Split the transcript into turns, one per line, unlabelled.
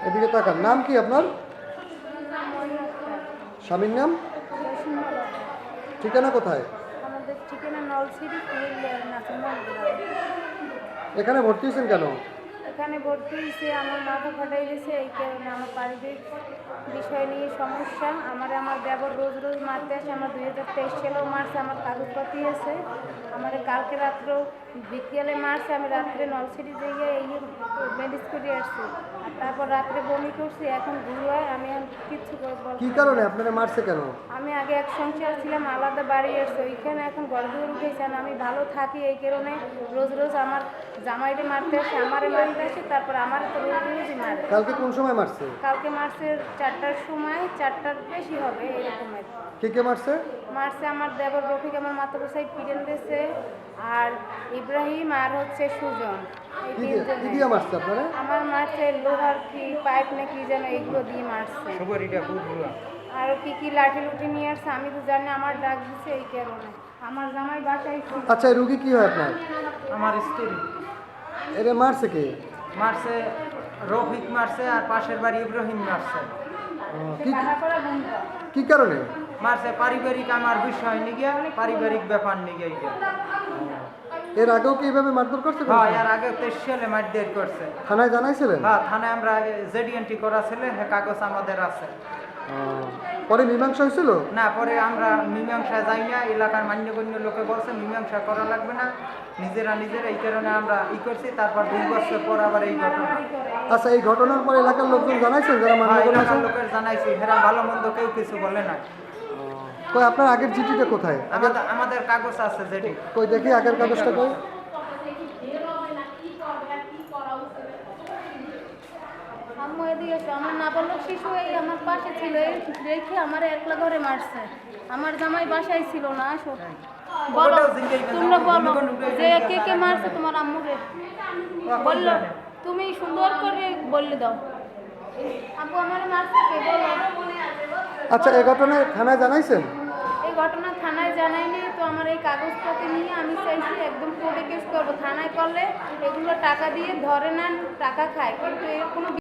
এদিকে তাকান। নাম কি আপনার? স্বামীর নাম? ঠিকানা কোথায়?
আমাদের ঠিকানা নলছিটি কুমিল্লার নাসিমগঞ্জ গ্রামে।
এখানে ভর্তি হয়েছেন কেন?
এখানে ভর্তি হয়েছে আমার মাথা ফাটাই গেছে, এই কারণে আমার পারিবারিক বিষয় নিয়ে সমস্যা। আমার দেবর রোজ রোজ মারতে আসে। আমার 2023 সালেও মারছে, আমার কাগজপাতি আছে। আমার কালকে রাত্রেও বিকেলে মারছে, আমি রাত্রে নলছিটি যেয়ে এই ম্যানেজ করে আসছি। আর তারপর রাত্রে বমি করছি, এখন ঘুরোয় আমি এখন কিচ্ছু বলতে
কি
পারি
কারণে
না।
আপনারা মারছে কেন?
আমি আগে এক সংসার ছিলাম, আলাদা বাড়ি আসছে, ওইখানে এখন গড়দুয়ার উঠেছে। আমি ভালো থাকি, এই কারণে রোজ রোজ আমার জামাইরে মারতে আসে, আমারে মারতে আসে, তারপর আমার তো রোজ রোজই মারে।
কালকে কোন সময় মারছে?
কালকে মারছে 4টার সময়, 4টার বেশি হবে এরকমের।
কে কে মারছে?
মারছে আমার দেবর রফিক, আমার মাথাপোসাই পিটেন দিয়েছে, আর ইব্রাহিম, আর হচ্ছে সুজন। এই
কি
তিনজনে
দিয়ে মারছে আপনারা?
আমার মারছে লোহার কি পাইপ না কি যেন, এইগুলো দিয়ে মারছে। আরো কি কি লাঠি লুঠি নিয়ে আসছে, আমি তো জানি। আমার ডাক দিচ্ছে এই কারণে। আমার জামাই বাসায় ছিল।
আচ্ছা, এই রুগী কি হয় আপনার?
আমার স্ত্রী
এরে মারছে কে?
মারছে, রফিক মারছে, আর পাশের বাড়ি ইব্রাহিম মারছে।
কি
টাকা করে বন্ধ।
কি কারণে
মারছে পারিবারিক আমার বিষয় নিয়ে, পারিবারিক ব্যাপার নিয়ে এইটা।
এর আগেও কি এইভাবে মারধর করছে?
হ্যাঁ, এর আগে 23 সালে মারধর করছে।
থানায় জানাইছিলেন?
হ্যাঁ, থানায় আমরা জেডি এন্ট্রি করা ছিল, হ্যাঁ কাগজ আমাদের আছে।
পরে মীমাংসা হয়েছিল?
না, পরে আমরা মীমাংসায় যাই না, এলাকার মান্যগণ্য লোকে বলছে মীমাংসা করা লাগবে না, নিজেরা এই কারণে আমরা করছি। তারপর 2 বছর পর আবার এই ঘটনা।
আচ্ছা, এই ঘটনার পর এলাকার লোকজন জানাইছেন যারা
হ্যাঁ,
মান্যগণ্য
এলাকার
আছে?
লোকের জানাইছি, হেরা ভালো মন্দ কেউ কিছু বলে না।
কই আপনার আগের চিঠিটা কোথায়?
আমাদের কাগজ আছে যেটি।
কই দেখি আগের কাগজটা কই।
আম্মু এদিকে এসো। আমার নাবালক শিশু এই আমার পাশে ছিল, এই রেখে আমার একলা ঘরে মারছে। আমার জামাই বাসায় ছিল না। আসো বলো, তোমরা বলো যে কে কে মারছে তোমার আম্মুরে। বললো, তুমি সুন্দর করে বললে দাও। আব্বু আমার মারছে কে, বলো।
আচ্ছা, এই ঘটনায় থানায় জানাইছেন?
এই ঘটনা থানায় জানাইনি তো। আমার এই কাগজপত্র নিয়ে আমি চাইছি একদম কোর্টে কেস করবো। থানায় করলে এগুলো টাকা দিয়ে ধরে নেন, টাকা খায়, কিন্তু এর কোনো